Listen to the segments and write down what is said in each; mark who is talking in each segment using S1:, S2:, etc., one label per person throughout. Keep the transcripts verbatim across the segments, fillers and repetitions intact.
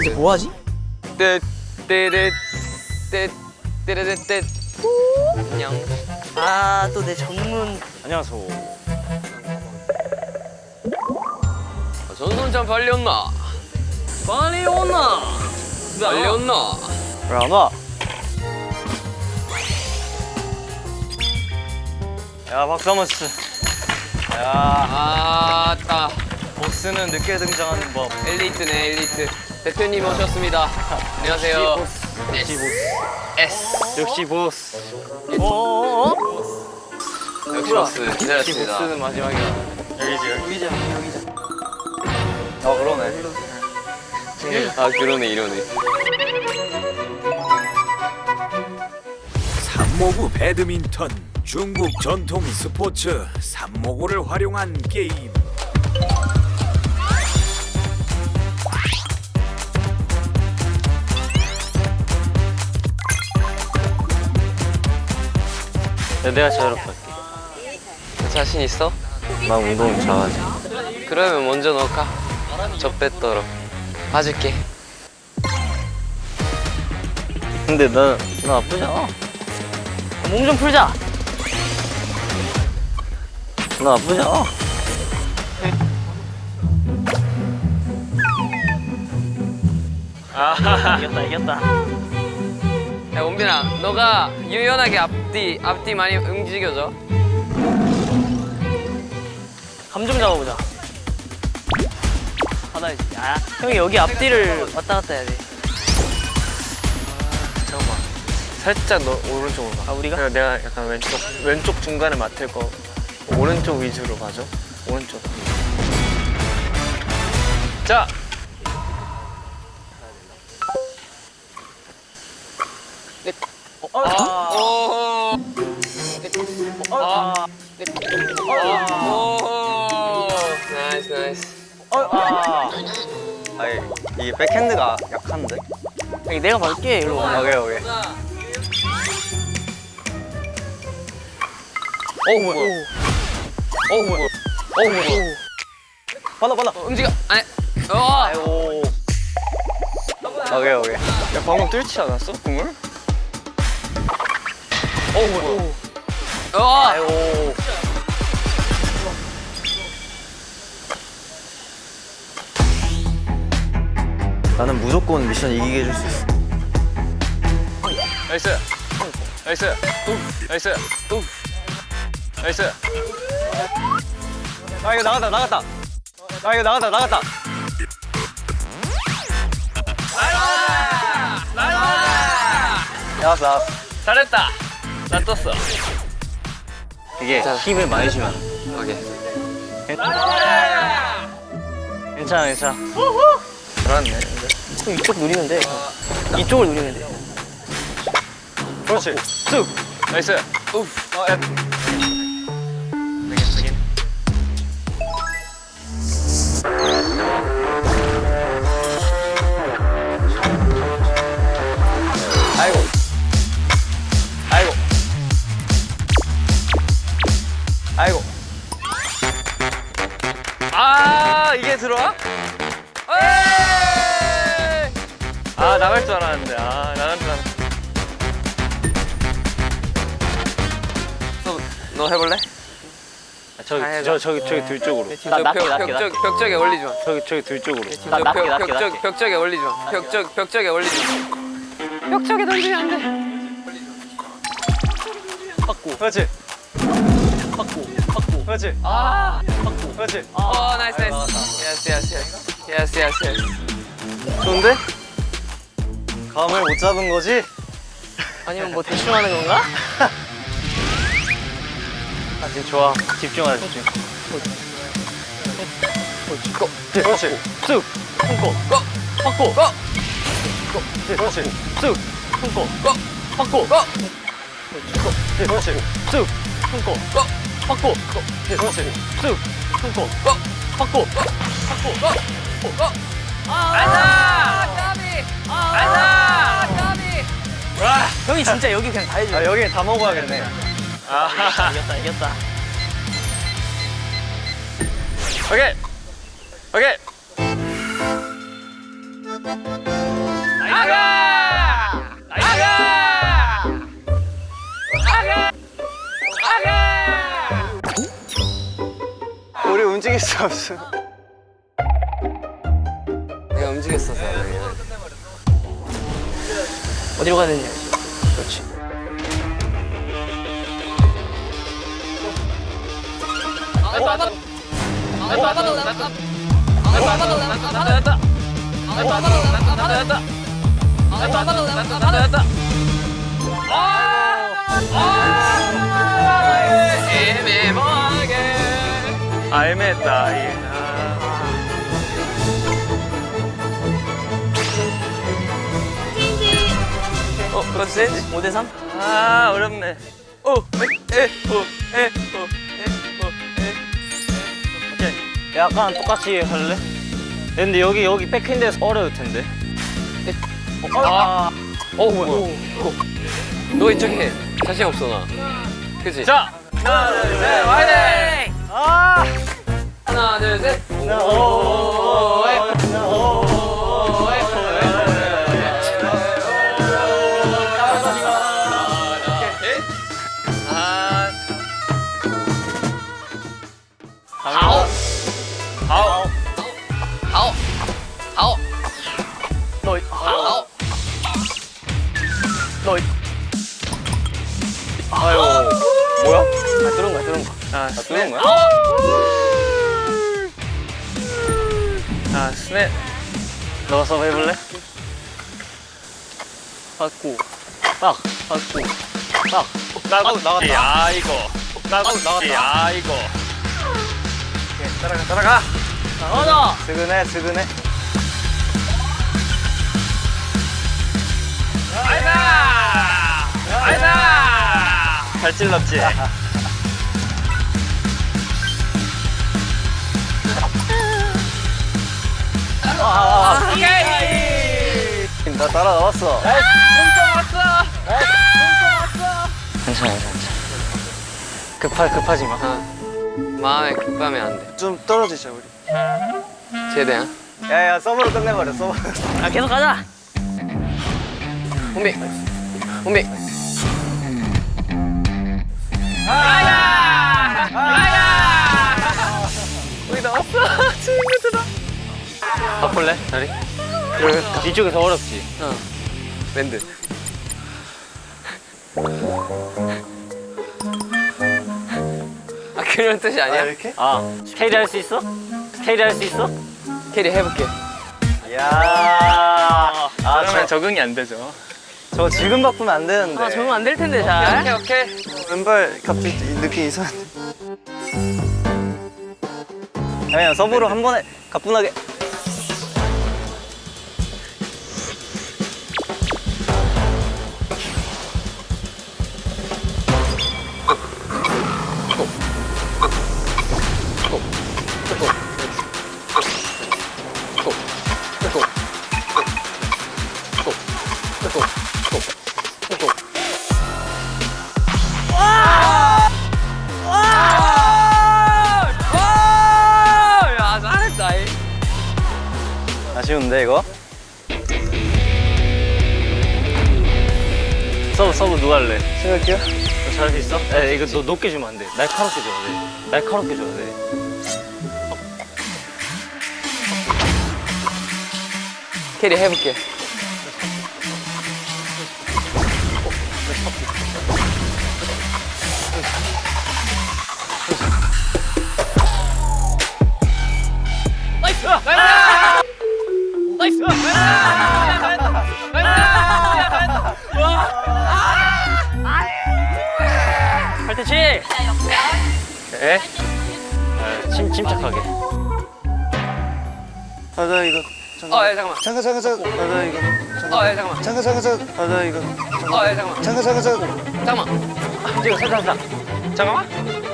S1: 이제 뭐 하지?
S2: 떼떼떼 떼떼떼떼 안녕.
S1: 아, 또 내 전문.
S3: 안녕하세요.
S2: 전선장 빨리 온나? 빨리 온나? 빨리 온나?
S3: 왜 안 와? 야, 박수 한번 치자. 야,
S2: 아따
S3: 보스는 늦게 등장하는 법.
S2: 엘리트네 엘리트. 대표님 오셨습니다. 안녕하세요.
S3: 역시 보스.
S2: S
S3: 역시 보스.
S1: 어어어?
S2: 역시 보스
S3: 역시
S2: 기다렸습니다.
S3: 보스는 마지막이야. 여기지, 여기.
S1: 여기자, 여기자.
S3: 아, 그러네.
S2: 아 그러네 이러네.
S4: 삼모구 배드민턴, 중국 전통 스포츠 삼모구를 활용한 게임.
S3: 야, 내가 자유롭게 할게.
S2: 자신 있어?
S3: 난 운동 잘하지.
S2: 그러면 먼저 넣을까? 적배떨어 봐줄게.
S3: 근데 나, 나 나쁘잖아.
S1: 몸 좀 풀자.
S3: 나 나쁘잖아.
S1: 이겼다, 이겼다.
S2: 야 원빈아 너가 유연하게 앞뒤 앞뒤 많이 움직여줘.
S1: 감 좀 잡아보자. 받아야지. 아, 형이 여기 앞뒤를 왔다 갔다 해야 돼.
S3: 잠깐만. 살짝 너 오른쪽으로 가.
S1: 아, 우리가?
S3: 그리고 내가 약간 왼쪽, 왼쪽 중간에 맡을 거. 오른쪽 위주로 가죠. 오른쪽. 자!
S1: 어, 아,
S2: 오.
S1: 아,
S2: 오. 나이스 나이스.
S1: 아.
S3: 아니, 이게 백핸드가 약한데?
S1: 여기 내가 받을게, 일로 와.
S3: 오케이, 오케이.
S1: 어, 뭐야?
S3: 어, 뭐야? 어, 뭐야? 받아, 받아.
S2: 어, 움직여. 아니. 어.
S3: 아이고. 오케이, 오케이. 야, 방금 뚫지 않았어? 공을? 어, 뭐야?
S2: 어.
S3: 아이고. 나는 무조건 미션 이기게 해줄 수 있어. 나이스. 나이스. 나이스. 나이스. 아, 이거 나갔다, 나갔다. 아, 이거 나갔다, 나갔다. 나왔어, 나왔어.
S2: 잘했다. 나 떴어.
S3: 이게 힘을 많이 주면.
S2: 오케이.
S3: 괜찮아, 괜찮아. 잘하네.
S1: 형 이쪽 누리면 돼. 이쪽을 누리면 돼.
S3: 그렇지. 쑥. 나이스. 우프. 어, 야. 되긴, 되긴. 아이고. 아이고. 아이고. 아, 이게 들어와? 에이! 아, 나갈 줄 알았는데. 아, 나갈 줄 알았는데.
S2: 너, 너 해볼래?
S3: 저기,
S2: 아,
S3: 저, 저기, 저기 둘 쪽으로.
S1: 나 낮게,
S2: 벽,
S1: 낮게,
S2: 벽,
S1: 낮게.
S2: 벽, 벽에 올리지 마.
S3: 저기, 저기 둘 쪽으로.
S1: 나 낮게,
S2: 벽,
S1: 낮게,
S2: 벽,
S1: 낮게.
S2: 벽쪽에 올리지 마. 벽적, 벽쪽에 올리지 마. 벽쪽에 던지면 안 돼.
S1: 받고,
S3: 그렇지.
S1: 받고, 받고.
S3: 그렇지.
S2: 아.
S1: 받고.
S3: 그렇지.
S2: 어, 나이스, 나이스. 예스, 예스, 예스. 예스, 예스, 예스.
S3: 좋은데? 감을 못 잡은 거지?
S1: 아니면 뭐 대충 하는 건가?
S3: 아, 지금 좋아. 집중하자, 집중. 그렇지.
S1: 쑥, 손고,
S2: 고!
S1: 받고,
S2: 고!
S3: 그렇지.
S1: 쑥, 손고,
S2: 고!
S1: 받고,
S2: 고!
S3: 그렇지.
S1: 쑥, 손고,
S2: 고!
S1: 받고,
S3: 그렇지.
S1: 쑥, 손고,
S2: 고!
S1: 받고,
S2: 고! 고! 고! 아자! 까비! 아자! 까비!
S1: 형이 진짜 여기 그냥 다 해줘.
S3: 아, 여기 다 먹어야겠네. 아,
S1: 이겼다, 이겼다.
S3: 오케이. 오케이. 움직일 수 없어.
S2: 내가 움직였어서 그냥.
S1: 어디로 가야 되냐? 그렇지.
S3: 아, 애매했다. 이게. 아.
S1: 어, 그렇지 센지? 오 대 삼?
S3: 아, 어렵네.
S1: 오, 에, 에, 오, 에, 오, 에, 오, 에. 오케이. 약간 똑같이 할래? 근데 여기 여기 백핸드에서 어려울 텐데.
S2: 아, 어 뭐야? 너 이쪽 해. 자신 없어 나. 그치?
S3: 자, 하나, 둘, 셋, 화이팅!
S1: 아!
S2: 하나 둘 셋.
S1: 오, 에,
S3: 아,
S2: 아홉
S3: 아홉.
S2: 아홉 아홉
S1: 너,
S2: 아홉.
S1: 너,
S3: 아유, 뭐야?
S1: 아, 들은 거야, 들은 거.
S3: 아, 스냅.
S1: 거야?
S3: 아, 스냅.
S1: 너가 서브 해볼래? 받고, 딱, 받고, 딱.
S3: 나도
S1: 나갔다.
S3: 야, 이거. 나도
S1: 나갔다.
S3: 야, 이거. 따라가, 따라가.
S1: 나가자!
S3: 스그네, 스그네.
S2: 아이다 아이다.
S3: 잘 찔렀지?
S1: 아, 아, 아.
S2: 오케이.
S1: 나 따라 나왔어.
S2: punto 왔어.
S1: 괜찮아, 괜찮아. 급하, 급하지 마.
S2: 마음에 급하면 안 돼.
S3: 좀 떨어지자, 우리.
S2: 최대한.
S3: 야, 야, 서브로 끝내버려, 서브.
S1: 아, 계속 가자.
S2: 혼비 혼비. 아야 아야. 우리 나왔어. 친구들아.
S1: 바꿀래? 자리? 그래. 이쪽이 더 어렵지.
S2: 어. 밴드. 아 그런 뜻이 아니야?
S3: 이렇게?
S1: 아, 스케이트 할 수 있어? 스케이트 할 수 있어?
S2: 캐리 해볼게.
S3: 야.
S1: 아,
S3: 그러면
S1: 저,
S3: 적응이 안 되죠.
S1: 저 지금 바꾸면 안 되는데. 아, 적응 안 될 텐데, 잘.
S2: 오케이 오케이.
S3: 왼발 갑자기 느낌 이상한데.
S1: 그냥 서브로 한 번에 가뿐하게.
S2: 야 잘했다. 이.
S1: 아쉬운데, 이거? 서브, 서브 누가 할래?
S3: 생각해요?
S1: 너 잘할 수 있어? 에, 이거 너 높게 주면 안 돼. 날카롭게 줘야 돼. 날카롭게 줘야 돼.
S2: 캐리 해볼게. 나이스! 나이스!
S1: 팔대치!
S3: 에?
S1: 침, 침착하게.
S3: 맞아, 이거.
S2: 어, 예, 잠깐만.
S3: 잠깐, 잠깐, 잠깐. 맞아, 이거.
S2: 어, 예, 잠깐만.
S3: 잠깐, 잠깐, 잠깐. 맞아, 이거.
S2: 어, 예, 잠깐만.
S3: 잠깐, 잠깐, 잠깐.
S2: 잠깐만.
S1: 찍어, 살짝, 살짝.
S2: 잠깐만.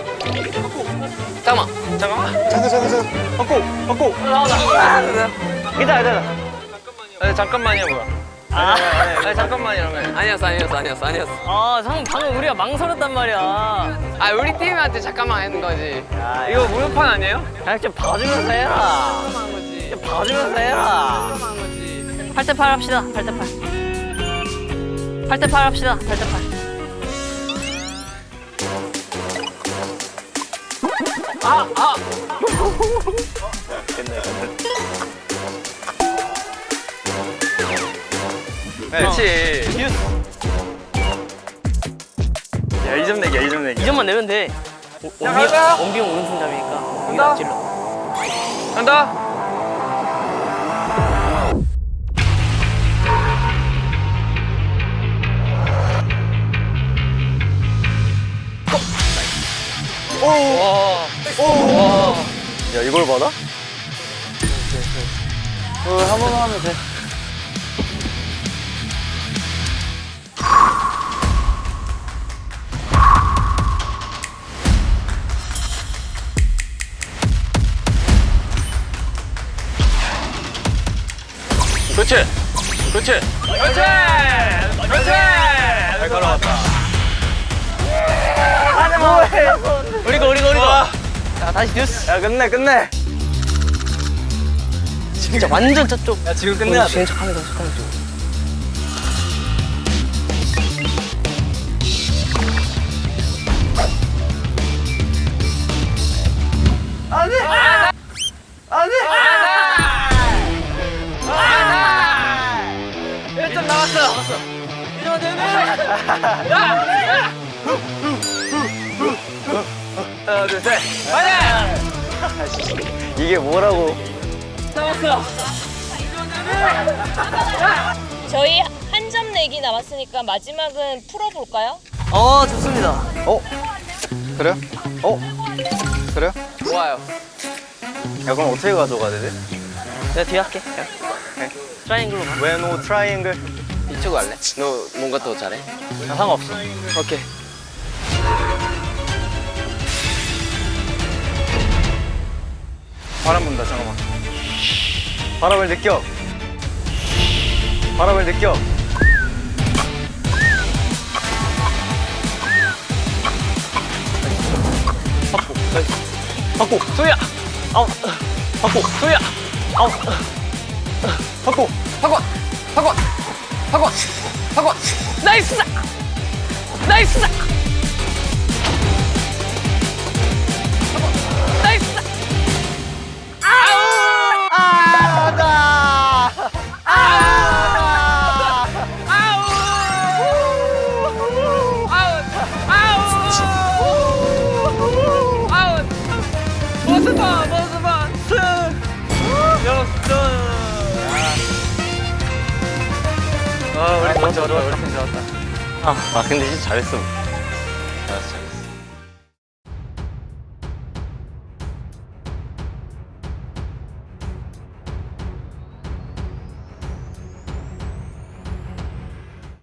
S2: 잠깐만.
S3: 잠깐, 잠깐, 잠깐.
S1: 바꿔, 바꿔. 괜찮아, 괜찮아.
S3: 아니, 잠깐만이야, 뭐야.
S1: 아,
S3: 아니, 잠깐만이라며.
S2: 아니었어, 아니었어, 아니었어, 아니었어.
S1: 아, 상 방금 우리가 망설였단 말이야.
S2: 아, 우리 팀한테 잠깐만 하는 거지.
S1: 야,
S3: 이거 무효판 아니에요?
S1: 그냥 좀 봐주면서 해라.
S2: 한 거지.
S1: 좀 봐주면서 해라.
S2: 한 거지.
S1: 팔 대 팔 합시다. 팔 대 팔. 팔 대 팔 합시다. 팔 대 팔. 끝내 끝내.
S3: 그렇지. 야, 이 점 내기야, 이 점 내기.
S1: 이 점만 내면 돼. 원빈
S2: 가자.
S1: 원빈 오른손잡이니까.
S2: 간다.
S1: 여기다 찔러.
S2: 간다.
S3: 야, 이걸 받아?
S1: 어, 한 번만 하면 돼.
S3: 그렇지. 그렇지.
S2: 그렇지. 그렇지.
S3: 잘 걸어왔다.
S1: 우리가 우리가 우리가. 자 다시 뉴스.
S3: 야, 끝내, 끝내.
S1: 진짜 완전 저쪽.
S3: 야, 지금 끝내야 돼.
S1: 지금 척하면서 척하면서.
S2: 일 점 남았어.
S3: 하나, 둘, 셋.
S2: 가자.
S3: 이게 뭐라고?
S2: 남았어.
S5: 저희 한 점 내기 남았으니까 마지막은 풀어볼까요?
S1: 어 좋습니다.
S3: 어? 그래요? 어? 그래요?
S2: 좋아요.
S3: 야, 그럼 어떻게 가져가야 되지?
S1: 내가 뒤에 할게.
S3: 네.
S1: 트라이앵글로 가.
S3: When no triangle.
S2: 이쪽 할래? 너 뭔가 더 잘해?
S1: 나 상관없어.
S2: 오케이.
S3: 바람 분다, 잠깐만. 바람을 느껴. 바람을 느껴.
S1: 받고 소희야. 아웃. 받고 소희야. 아웃.
S3: 받고.
S2: 학원. 학원. 학원. 학원. 나이스. 나이스. 나이스. 아우.
S3: 아, 나.
S2: 아우. 아우. 아우. 아우. 모스바 모스바 스.
S3: 역전. 아, 우리 팀 좋았다, 우리 팀 좋았다.
S1: 아, 아 근데 진짜 잘했어.
S3: 잘했어.